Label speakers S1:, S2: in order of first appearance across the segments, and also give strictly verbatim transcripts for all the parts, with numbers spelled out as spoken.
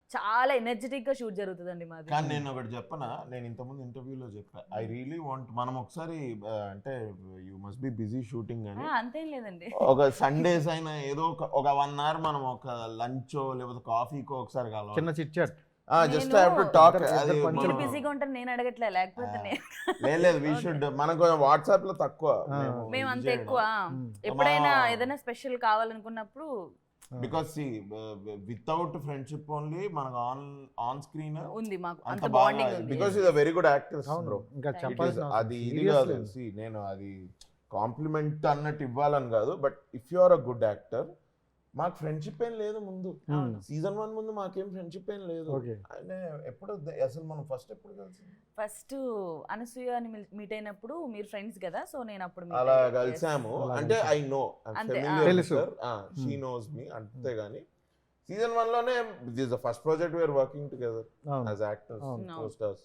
S1: చాలా ఎనర్జెటిక్ గా షూట్ జరుగుతుందండి మాది.
S2: కానీ నేను ఒకటి చెప్పనా, నేను ఇంతకుముందు ఇంటర్వ్యూలో చెప్పా, ఐ రియలీ వాంట్ మనం ఒకసారి అంటే you must be busy shooting అని,
S1: అంతేం లేదండి,
S2: ఒక సండేస్ అయినా ఏదో ఒక ఒక వన్ అవర్ మనం ఒక లంచో లేకపోతే కాఫీకో ఒకసారి కలవాలి,
S3: చిన్న chit chat,
S2: just have to talk. అది
S1: మీరు బిజీగా ఉంటారు, నేను అడగట్లే, లేకపోతే
S2: లేదు లేదు వి షుడ్, మనకు వాట్సాప్ లో తక్కువ,
S1: మేము అంత ఎక్కువ. ఎప్పుడైనా ఏదైనా స్పెషల్ కావాలనుకున్నప్పుడు,
S2: because see without friendship only మనకు ఆన్ ఆన్ స్క్రీన్
S1: ఉంది మాకు
S2: అంత
S1: అంత
S2: బాగా,
S1: బాండింగ్ ఉంది.
S2: Because is a very good actor bro.
S3: ఇంకా చెప్పాల్సిన
S2: అది ఇది కాదు, సి నేను అది కాంప్లిమెంట్ అన్నట్టు ఇవ్వాలని కాదు, but if you are a good actor, మాకు ఫ్రెండ్షిప్ ఏం లేదు ముందు, సీజన్ వన్ ముందు మాకేం ఫ్రెండ్షిప్ ఏం లేదు. ఆయన ఎప్పుడు అసలు మనం ఫస్ట్ ఎప్పుడు కలిసి,
S1: ఫస్ట్ అనసూయ అని మీట్ అయినప్పుడు మీరు ఫ్రెండ్స్ కదా, సో నేను అప్పుడు
S2: అలా కలిసాము. అంటే ఐ నో
S3: తెలుసు,
S2: షీ నోస్ మీ, అంతేగాని సీజన్ వన్ లోనే this the first project we're working together as actors, co-stars,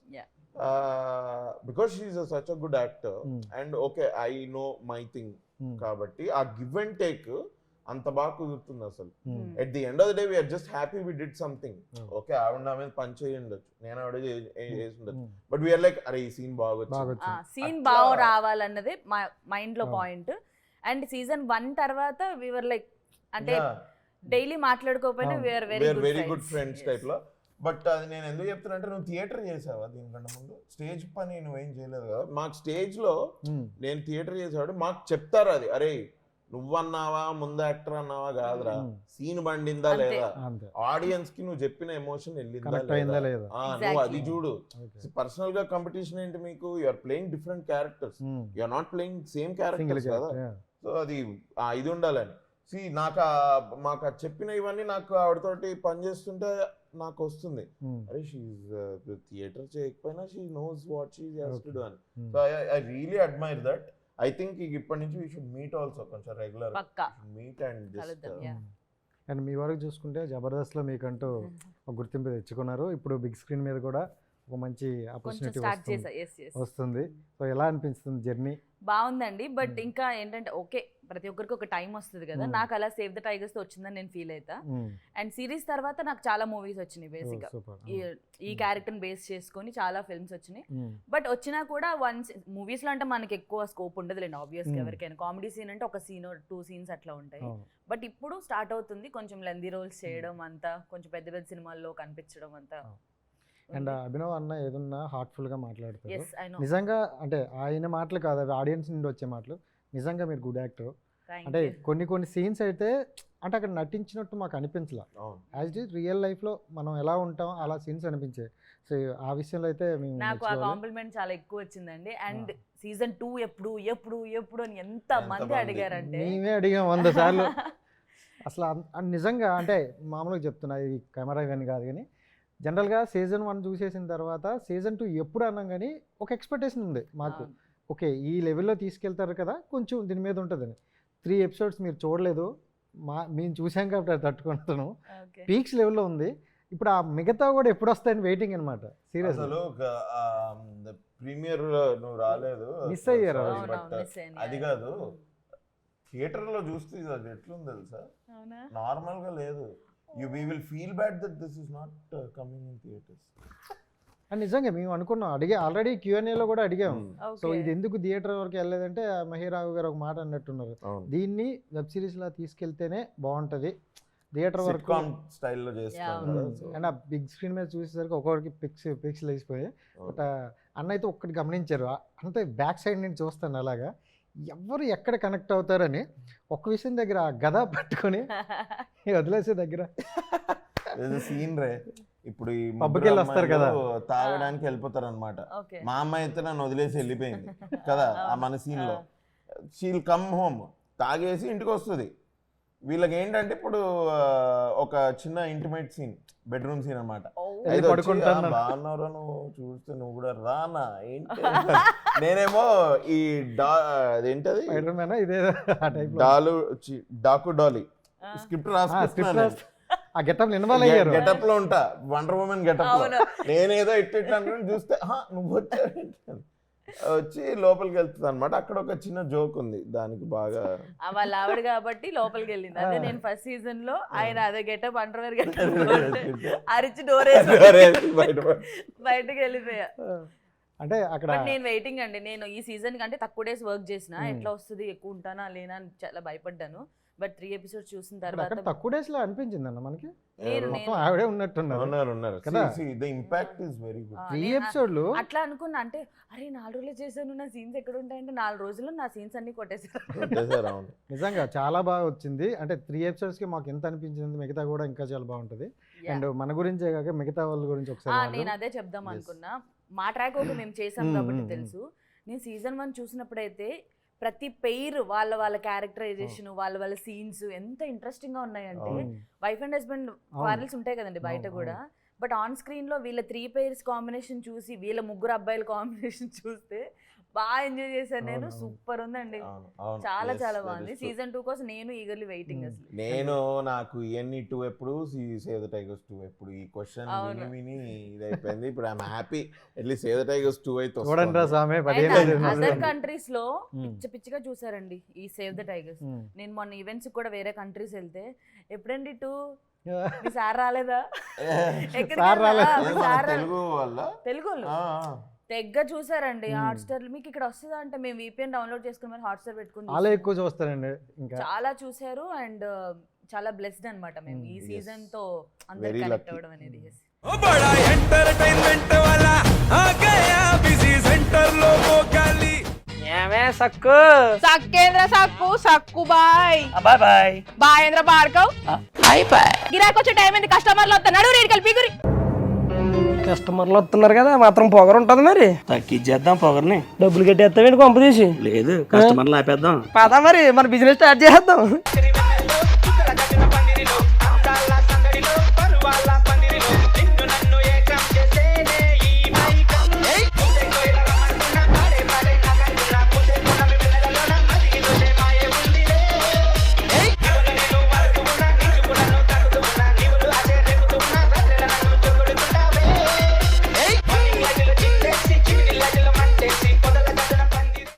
S2: because she is such a good actor and okay I know my thing, కాబట్టి ఆ గివ్ అండ్ టేక్ అంత బాగా కుదురుతుంది అసలు. At the end of the day we're just happy we did something. Okay ఆవిడ నా మీద పని చేయి ఉండొచ్చు, నేను ఆవిడ చేసి ఉండొచ్చు, బట్ వీఆర్ లైక్ అరే ఈ సీన్ బాగా
S1: సీన్ బాగా రావాలన్నదే మా మైండ్ లో పాయింట్. అండ్ సీజన్ వన్ తర్వాత వీఆర్ లైక్ అంటే డైలీ మాట్లాడుకోకపోయినా we're very
S2: very good friends type లో. బట్ అది నేను ఎందుకు చెప్తున్నా అంటే, నువ్వు థియేటర్ చేసావా దీనికంటే ముందు? స్టేజ్ పని నువ్వేం చేయలేదు కదా. మాకు స్టేజ్ లో నేను థియేటర్ చేసేవాడు, మాకు చెప్తారు అది, అరే నువ్వన్నావా ముందు యాక్టర్ అన్నావా కాదురా, సీన్ బండిందా లేదా, ఆడియన్స్ కి నువ్వు చెప్పిన ఎమోషన్ వెళ్ళిందా లేదా, నువ్వు అది చూడు. పర్సనల్ గా కాంపిటీషన్ ఏంటి మీకు, you're playing different characters, you're not playing same characters కదా. సో అది ఇది ఉండాలని సి నాకు మాకు చెప్పిన ఇవన్నీ నాకు ఆవిడతోటి పనిచేస్తుంటే నాకు వస్తుంది, అరే షీఈ్ థియేటర్ చేయకపోయినా she knows what she has to do అని. So I really admire that. I think ఇప్పటి నుంచి వీ షుడ్ మీట్ ఆల్సో, కొంచెం regular meet and just.
S3: And మీ వరకు చూసుకుంటే జబర్దస్త్లో మీకంటూ ఒక గుర్తింపు తెచ్చుకున్నారు, ఇప్పుడు బిగ్ స్క్రీన్ మీద కూడా ఒక మంచి ఆపర్చునిటీ వస్తుంది. సో ఎలా అనిపిస్తుంది జర్నీ?
S1: బాగుందండి, బట్ ఇంకా ఏంటంటే ఓకే ప్రతి ఒక్కరికి ఒక టైం వస్తుంది కదా, నాకు అలా సేవ్ ద టైగర్స్ తో వచ్చిందని నేను ఫీల్ అవుతా. అండ్ సిరీస్ తర్వాత నాకు చాలా మూవీస్ వచ్చినాయి, బేసిక్ గా ఈ క్యారెక్టర్ బేస్ చేసుకొని చాలా ఫిల్మ్స్ వచ్చినాయి. బట్ వచ్చినా కూడా వన్ మూవీస్ లో అంటే మనకి ఎక్కువ స్కోప్ ఉండదు లేండి, ఆబ్వియస్ గా ఎవరికైనా. కామెడీ సీన్ అంటే ఒక సీన్ టూ సీన్స్ అట్లా ఉంటాయి. బట్ ఇప్పుడు స్టార్ట్ అవుతుంది కొంచెం లెందీ రోల్స్ చేయడం, అంతా కొంచెం పెద్ద పెద్ద సినిమాల్లో కనిపించడం అంతా.
S3: అండ్ అభినవ్ అన్న ఏదన్నా హార్ట్ఫుల్ గా మాట్లాడతారు, నిజంగా అంటే ఆయన మాటలు కాదు, అవి ఆడియన్స్ నుండి వచ్చే మాటలు. నిజంగా మీరు గుడ్ యాక్టర్. అంటే కొన్ని కొన్ని సీన్స్ అయితే అంటే అక్కడ నటించినట్టు మాకు అనిపించలే, as it is real life లో మనం ఎలా ఉంటాం అలా సీన్స్ అనిపించాయి. సో ఆ విషయంలో అయితే
S1: నాకు ఆ కాంప్లిమెంట్ చాలా ఎక్కువ వచ్చిందండి. అండ్ సీజన్ టూ ఎప్పుడు ఎప్పుడు ఎప్పుడు అని ఎంత మంది అడిగారంటే,
S3: మేమే అడిగాం వంద సార్లు అసలు. నిజంగా అంటే మామూలుగా చెప్తున్నా, ఇది కెమెరా ఇవన్నీ కాదు కానీ జనరల్గా సీజన్ వన్ చూసేసిన తర్వాత సీజన్ టూ ఎప్పుడు అన్నాం కానీ ఒక ఎక్స్పెక్టేషన్ ఉంది మాకు, ఓకే ఈ లెవెల్లో తీసుకెళ్తారు కదా కొంచెం దీని మీద ఉంటుందని. త్రీ ఎపిసోడ్స్ మీరు చూడలేదు, మా మేము చూసాం కాబట్టి అది తట్టుకుంటున్నాం, పీక్స్ లెవెల్లో ఉంది. ఇప్పుడు ఆ మిగతా కూడా ఎప్పుడు వస్తాయని వెయిటింగ్ అనమాట. సీరియస్
S2: ప్రీమియర్ నువ్వు రాలేదు,
S3: మిస్ అయ్యారు.
S2: అది కాదు, థియేటర్ లో చూస్తే అది ఎట్లుంది తెలుసా, నార్మల్ గా లేదు. You we will feel bad that this is not uh, coming in theaters.
S3: And నిజంగా మేము అనుకున్నాం, అడిగే ఆల్రెడీ క్యూఎన్ఏలో కూడా అడిగాము. సో ఇది ఎందుకు థియేటర్ వరకు వెళ్ళలేదంటే మహిరావు గారు ఒక మాట అన్నట్టున్నారు, దీన్ని వెబ్ సిరీస్ లా తీసుకెళ్తేనే బాగుంటది, థియేటర్ వరకు
S2: స్టైల్లో చేస్తారు.
S3: అండ్ ఆ బిగ్ స్క్రీన్ మీద చూసేసరికి ఒక్కొక్కరికి పిక్స్ పిక్స్ లేచిపోయాయి. బట్ అన్న అయితే ఒక్కటి గమనించారు, అంటే బ్యాక్ సైడ్ నుంచి చూస్తాను అలాగా ఎవరు ఎక్కడ కనెక్ట్ అవుతారని ఒక్క విషయం దగ్గర గద పట్టుకొని వదిలేసే దగ్గర
S2: సీన్ రే. ఇప్పుడు ఈ
S3: పబ్కి వెళ్ళి వస్తారు కదా,
S2: తాగడానికి వెళ్ళిపోతారు అనమాట. మా అమ్మాయి అయితే నన్ను వదిలేసి వెళ్ళిపోయింది కదా ఆ మన సీన్ లో. షీల్ కమ్ హోమ్, తాగేసి ఇంటికి వస్తుంది. వీళ్ళకి ఏంటంటే ఇప్పుడు ఒక చిన్న ఇంటిమేట్ సీన్, బెడ్రూమ్ సీన్ అనమాట. బాగున్నారా నువ్వు చూస్తే నువ్వు కూడా రానా ఏంటి, నేనేమో ఈ డా అదేంటది డాలు డాకు డాలీ స్క్రిప్ట్ రాసుకుంటున్నాను,
S3: ఆ గెటప్ ఇన్వాల్వ్ అయ్యారు,
S2: గెటప్ లో ఉంటా, వండర్ ఉమెన్ గెటప్ లో. నేనేదో ఇట్లా అనుకుని చూస్తే నువ్వు వచ్చా వచ్చి లోపలికి వెళ్తుంది అనమాట. అక్కడ ఒక చిన్న జోక్ ఉంది, దానికి బాగా
S1: ఆ వాళ్ళ ఆవిడ కాబట్టి లోపలికి వెళ్ళింది. అదే నేను ఫస్ట్ సీజన్ లో ఆయన అదే గెటప్ అండర్వేర్ గెటప్ అరిచి డోర్ బయటకు వెళ్ళిపోయా.
S3: అంటే అక్కడ
S1: బట్ నేను వెయిటింగ్ అండి. నేను ఈ సీజన్ కంటే తక్కువ డేస్ వర్క్ చేసిన, ఎట్లా వస్తుంది ఎక్కువ ఉంటానా లేనా అని చాలా భయపడ్డాను. బట్ త్రీ ఎపిసోడ్స్ చూసిన తర్వాత
S3: తక్కువ డేస్ లో అనిపించింది అన్న మనకి,
S1: నేను
S3: మొత్తం ఆవిడే ఉన్నట్టున్నారు
S2: ఉన్నారు ఉన్నారు
S3: కదా.
S2: The impact is very good.
S3: Three ఎపిసోడ్లు
S1: అట్లా అనుకున్నా. అంటే అరే నాలుగు రోజులు చేశాను, నా సీన్స్ ఎక్కడ ఉంటాయంటే నాలుగు రోజుల్లో నా సీన్స్ అన్ని కొట్టేసారు.
S3: నిజంగా చాలా బాగా వచ్చింది. అంటే త్రీ ఎపిసోడ్స్ కి మాకు ఎంత అనిపించింది, మిగతా కూడా ఇంకా చాలా బాగుంటది. అండ్ మన గురించే కాక మిగతా వాళ్ళ గురించి ఒకసారి
S1: నేను అదే చెప్దాం అనుకున్నా. మా ట్రాక్ ఒకటి మేము చేసాం కాబట్టి తెలుసు. నేను సీజన్ వన్ చూసినప్పుడైతే ప్రతి పెయిర్ వాళ్ళ వాళ్ళ క్యారెక్టరైజేషన్, వాళ్ళ వాళ్ళ సీన్స్ ఎంత ఇంట్రెస్టింగ్ గా ఉన్నాయంటే, వైఫ్ అండ్ హస్బెండ్ క్వారల్స్ ఉంటాయి కదండి బయట కూడా, బట్ ఆన్ స్క్రీన్ లో వీళ్ళ త్రీ పెయిర్స్ కాంబినేషన్ చూసి, వీళ్ళ ముగ్గురు అబ్బాయిల కాంబినేషన్ చూస్తే బాగా ఎంజాయ్ చేశాను నేను. సూపర్ ఉందండి, చాలా చాలా బాగుంది. సీజన్ టూ కోసం నేను ఈగర్లీ వెయిటింగ్. అసలు
S2: నేను నాకు ఇవన్నీ టూ ఎప్పుడు, సేవ్ ద టైగర్స్ టూ ఎప్పుడు, ఈ క్వశ్చన్ విని విని ఇదైపోయింది. ఇప్పుడు I'm happy at least save the tigers too అయితే
S1: అదర్ కంట్రీస్ లో పిచ్చి పిచ్చిగా చూసారండి ఈ సేవ్ ద టైగర్స్. నేను మొన్న ఈవెంట్స్ కూడా వేరే కంట్రీస్ వెళ్తే, ఎప్పుడండి టూ మీ సార్ రాలేదా,
S2: తెలుగు వల్ల
S1: తెలుగు తెగ్గ చూసారండి. హాట్ స్టార్ మీకు ఇక్కడ వస్తుందా అంటే, మేము వీపీఎన్ డౌన్లోడ్ చేసుకుని మరి హాట్ స్టార్ పెట్టుకుని
S3: చాలా ఎక్కువ చూస్తారండి. ఇంకా
S1: చాలా చూసారు. అండ్ చాలా బ్లెస్డ్ అన్నమాట మేము ఈ సీజన్ తో అందరు కనెక్ట్ అవ్వడం అనేది.
S4: సక్కు
S5: సక్కేంద్ర సక్కు సక్కు బాయ్
S4: బాయ్ బాయ్
S5: బాయేంద్ర భార్గవ్
S4: హాయ్ బాయ్.
S5: గిరాకి వచ్చే టైం ఏంది, కస్టమర్లు వస్తున్నాడు, రేడికి కలిపి గురి.
S4: కస్టమర్లు వస్తున్నారు కదా, మాత్రం పొగరు ఉంటది మరి. తగ్గించేద్దాం పొగర్ని. డబ్బులు కట్టేస్తామేంటి కొంప తీసి? లేదు, కస్టమర్లు ఆపేద్దాం. పదా మరి మన బిజినెస్ స్టార్ట్ చేద్దాం.